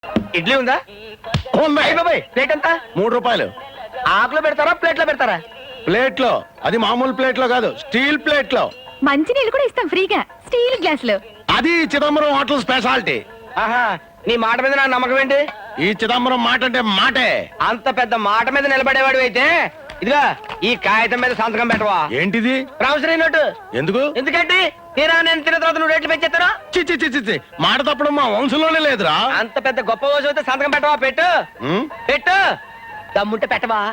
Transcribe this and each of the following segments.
ఇడ్లీ ఉందా? ప్లేట్ ఎంత? 3 రూపాయలు. ఆకులో పెడతారా ప్లేట్లో పెడతారా? ప్లేట్ లో. అది మామూలు ప్లేట్ లో కాదు, స్టీల్ ప్లేట్ లో. మంచి నీళ్ళు కూడా ఇస్తాం ఫ్రీగా స్టీల్ గ్లాస్ లో. అది చిదంబరం హోటల్ స్పెషాలిటీ. ఆహా, నీ మాట మీద నా నమ్మకం ఏంటి? ఈ చిదంబరం మాట అంటే మాటే. అంత పెద్ద మాట మీద నిలబడేవాడు అయితే ఇదిగా ఈ కాగితం మీద సంతకం పెట్టవా? ఏంటిది? Promissory note. ఎందుకు? ఎందుకంటే తీరా నేను తిన్న తర్వాత నువ్వు రేట్లు పెంచేస్తాను. చి మాట తప్పడం మా వంశంలోనే లేదురా. అంత పెద్ద గొప్ప రోజు అయితే సంతకం పెట్టవా? పెట్టు పెట్టు, దమ్ముంటే పెట్టవా?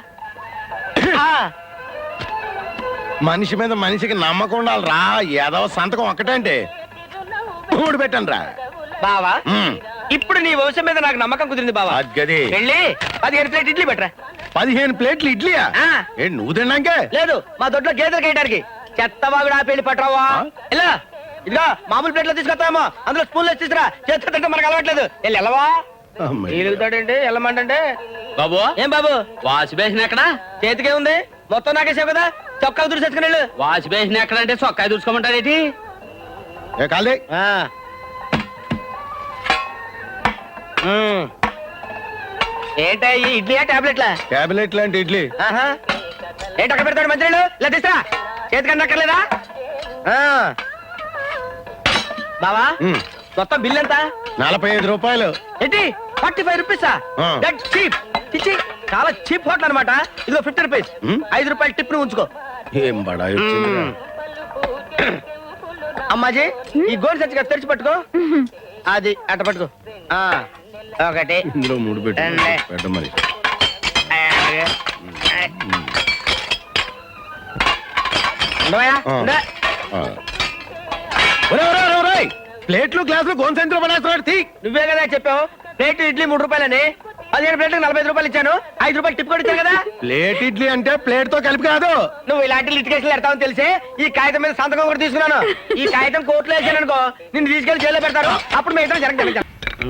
మనిషి మీద మనిషికి నమ్మకం ఉండాలిరా. ఏదో సంతకం ఒక్కటంటే 3 పెట్టండి రా బావా. ఇప్పుడు నీ వంశం మీద నాకు నమ్మకం కుదిరింది బావా. గది వెళ్ళి 15 ప్లేట్ ఇడ్లీ పెట్టరా. 15 ప్లేట్లు ఇడ్లీయా? ఏంటి నువ్వు తిన్నాకే? లేదు, మా దొడ్లో గేదెలు కేయడానికి. చెత్తవాగుడు ఆపేళ్ళి పట్టరావా? ఇలా ఇదిగా మామూలు ప్లేట్లో తీసుకొస్తామో అందులో స్పూన్లో తీసుకురా. చేతితో తింటే మనకు అలవాట్లేదు. వెళ్ళి వెళ్ళవా? ఎలుగుతాడండి వెళ్ళమంటే. బాబు ఏం బాబు? వాష్ బేసిన్ ఎక్కడ? చేతికే ఉంది, మొత్తం నాకేసావు కదా. చొక్కా దురిసేసుకుని వెళ్ళు. వాష్ బేసిన్ ఎక్కడ అంటే చొక్కా దూసుకోమంటారేటి? కాలే ఏంటా ఈ ఇడ్లీయా టాబ్లెట్లా? టాబ్లెట్ లాంటి ఇడ్లీ. ఏంటి అక్కడ పెడతాడు మంత్రులు? ఇలా తీసురా. చేతికన్నా అక్కర్లేదా? బావా మొత్తం బిల్ ఎంత? 45 రూపాయలు. ఏంటి 45 రూపీసా? That cheap. చిచ్చి, చాలా చీప్ హోటల్ అనమాట. ఇదిగో 50 రూపీస్. 5 రూపాయలు టిప్ ను ఉంచుకో. ఏం బడా అమ్మాజీ ఈ గోల్ సచ్చిగా తెరిచి పట్టుకో. అది అట్ట పట్టుకో. ఒకటి ఇందులో 3 పెట్టు మరి. ప్లేట్లు గ్లాసులు గోన్సెంట్లో పడేస్తున్నాడు. నువ్వే కదా చెప్పావు ప్లేట్ ఇడ్లీ 3 రూపాయలని. 15 ప్లేట్లకు 45 రూపాయలు ఇచ్చాను. 5 రూపాయలు టిప్ కూడా ఇచ్చాను కదా. ప్లేట్ ఇడ్లీ అంటే ప్లేట్ తో కలిపి కాదు. నువ్వు ఇలాంటి లిటికేషన్ పెడతావని తెలిసే ఈ కాగితం మీద సంతకం కూడా తీసుకున్నాను. ఈ కాగితం కోర్టులో వేసాను అనుకో, నిన్ను తీసుకెళ్లి జైల్లో పెడతారు. అప్పుడు మిగతా జరగదు.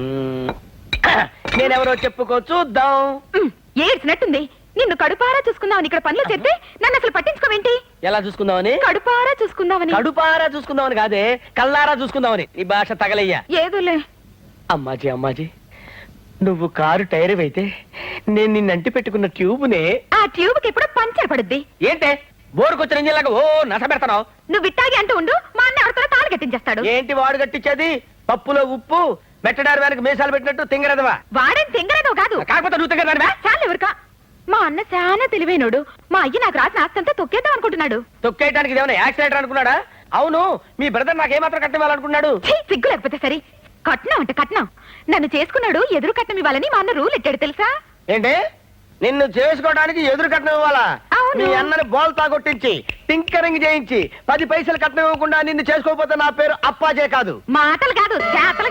నేనెవరో చెప్పుకో చూద్దాం. ఏడ్చినట్టుంది. నిన్ను కడుపారా చూసుకుందామని ఇక్కడ పనులు చెప్తే నన్ను అసలు పట్టించుకోవేంటి? ఎలా చూసుకుందామని? కడుపారా చూసుకుందామని. కడుపారా చూసుకుందామని కాదే, కల్లారా చూసుకుందామని. నీ భాష తగలయ్యా. ఏదోలే. అమ్మాజీ నువ్వు కారు టైర్ అయితే నేను నిన్నంటి పెట్టుకున్న ట్యూబ్నే. ఆ ట్యూబ్ కి ఎప్పుడు పంచర్ పడుద్ది. ఏంటే బోరుకొచ్చిన ఇంజిన్లాగా ఓ నస పెడతావు? నువ్వు విట్టాగి అంటూ ఉండు, మా అన్న ఎవరితో తాడు కట్టించేస్తాడు. ఏంటి వాడు కట్టించేది? పప్పులో ఉప్పు మెట్టడారు వెనక మీసాలు పెట్టినట్టు తింగరదవా? వాడేం తింగరదో కాదు. కాకపోతే నువ్వు తింగరదానివా? చాలు ఎవరికా. మా అన్న చాలా తెలివైనడు. మా అయ్య నాకు రాసిన ఆస్తంతా తొక్కేద్దాం అనుకుంటున్నాడు. తొక్కేయడానికి ఏమైనా యాక్సిడెంట్ అనుకున్నాడా? అవును, మీ బ్రదర్ నాకేమాత్రం కట్టివ్వాలనుకున్నాడు? సిగ్గు లేకపోతే సరే. కట్నం అంటే కట్నం. నన్ను చేసుకున్నాడు, ఎదురు కట్నం ఇవ్వాలని మా అన్న రూల్ ఎట్టాడు తెలుసా? ఏంటి నిన్ను చేసుకోవడానికి ఎదురు కట్నం ఇవ్వాలా? మీ అన్నని బోల్తా కొట్టించి టింకరింగ్ చేయించి 10 పైసలు కట్నం ఇవ్వకుండా నిన్ను చేసుకోకపోతే నా పేరు అప్పాజే కాదు. మాటలు కాదు చేతలు.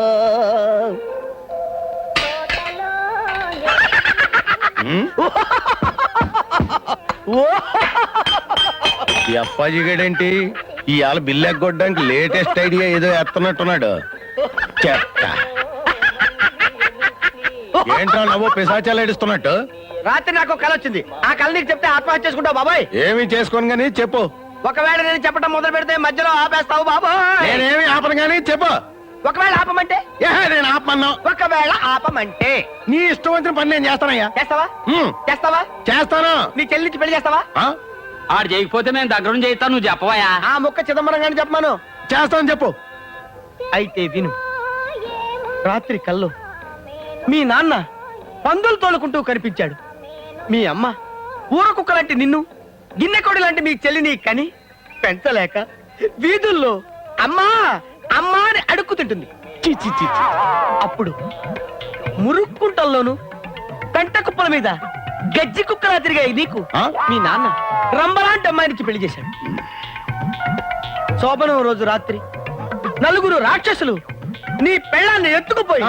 ఈ అప్పాజీ గడేంటి ఇవాళ బిల్లు ఎగ్గొట్టడానికి లేటెస్ట్ ఐడియా ఏదో ఎత్తనట్టున్నాడు. చెత్త. ఏంట్రా నవ్వు పిశాచాలు ఏడుస్తున్నట్టు? రాత్రి నాకు కళ వచ్చింది. ఆ కళ నీకు చెప్తే ఆత్మహత్య చేసుకుంటావు బాబాయ్. ఏమి చేసుకోను గానీ చెప్పు. ఒకవేళ నేను చెప్పడం మొదలు పెడితే మధ్యలో ఆపేస్తావు బాబాయ్. నేనేమి ఆపను గానీ చెప్పు. ఒకవేళ ఆపమంటే? నేను ఆపమన్నా. ఒకవేళ ఆపమంటే నీ ఇష్టం వచ్చిన పని నేను చేస్తానయ్యా. చేస్తావా? చేస్తావా? చేస్తాను. నీ చెల్లించి పెళ్లి చేస్తావా? ఆడు చేయకపోతే మేము దగ్గర చేయిస్తాను. నువ్వు చెప్పవయా? ఆ ముక్క చిదంబరం గాని చెప్పమాను. చేస్తాను చెప్పు. అయితే విను. రాత్రి కల్లో మీ నాన్న పందులు తోలుకుంటూ కనిపించాడు. మీ అమ్మ ఊర కుక్క లాంటి నిన్ను, గిన్నెకోడి లాంటి మీ చెల్లిని కని పెంచలేక వీధుల్లో అమ్మా అమ్మా అని అడుక్కుతింటుంది. అప్పుడు మురుక్కుంటల్లోను పెంట కుప్పల మీద గజ్జి కుక్కలా తిరిగాయి నీకు మీ నాన్న రంబలాంటి అమ్మాయినికి పెళ్లి చేశాడు. శోభనం రోజు రాత్రి 4 రాక్షసులు నీ పెళ్ళాన్ని ఎత్తుకుపోయి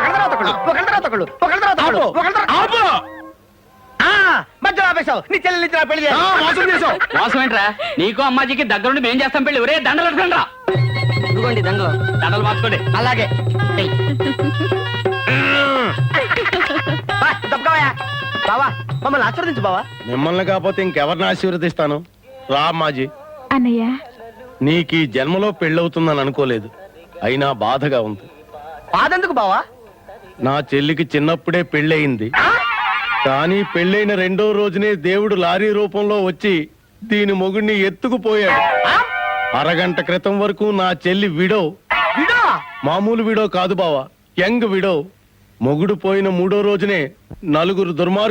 మధ్యలో ఆపేశావు. నీ చెల్లి పెళ్లి చేసావు. మోసం ఏంట్రా? నీకు అమ్మాజీకి దగ్గరుండి మేం చేస్తాం పెళ్లి. ఒరే దండలు పెట్టుకోండి రా. ఇదిగోండి దండలు మార్చుకోండి. అలాగే బావా మమ్మల్ని ఆశీర్వదించు బావా. మిమ్మల్ని కాకపోతే ఇంకెవరిని ఆశీర్వదిస్తాను? రా అమ్మాజీ. అన్నయ్య నీకు ఈ జన్మలో పెళ్ళవుతుందని అనుకోలేదు. అయినా బాధగా ఉంది. బాధెందుకు బావా? నా చెల్లికి చిన్నప్పుడే పెళ్ళయింది. కానీ పెళ్ళైన రెండో రోజునే దేవుడు లారీ రూపంలో వచ్చి దీని మొగుడిని ఎత్తుకుపోయాడు. అరగంట క్రితం వరకు నా చెల్లి విడో. విడో? మామూలు విడో కాదు బావా, యంగ్ విడో. మొగుడు పోయిన మూడో రోజునే నలుగురు దుర్మార్గులు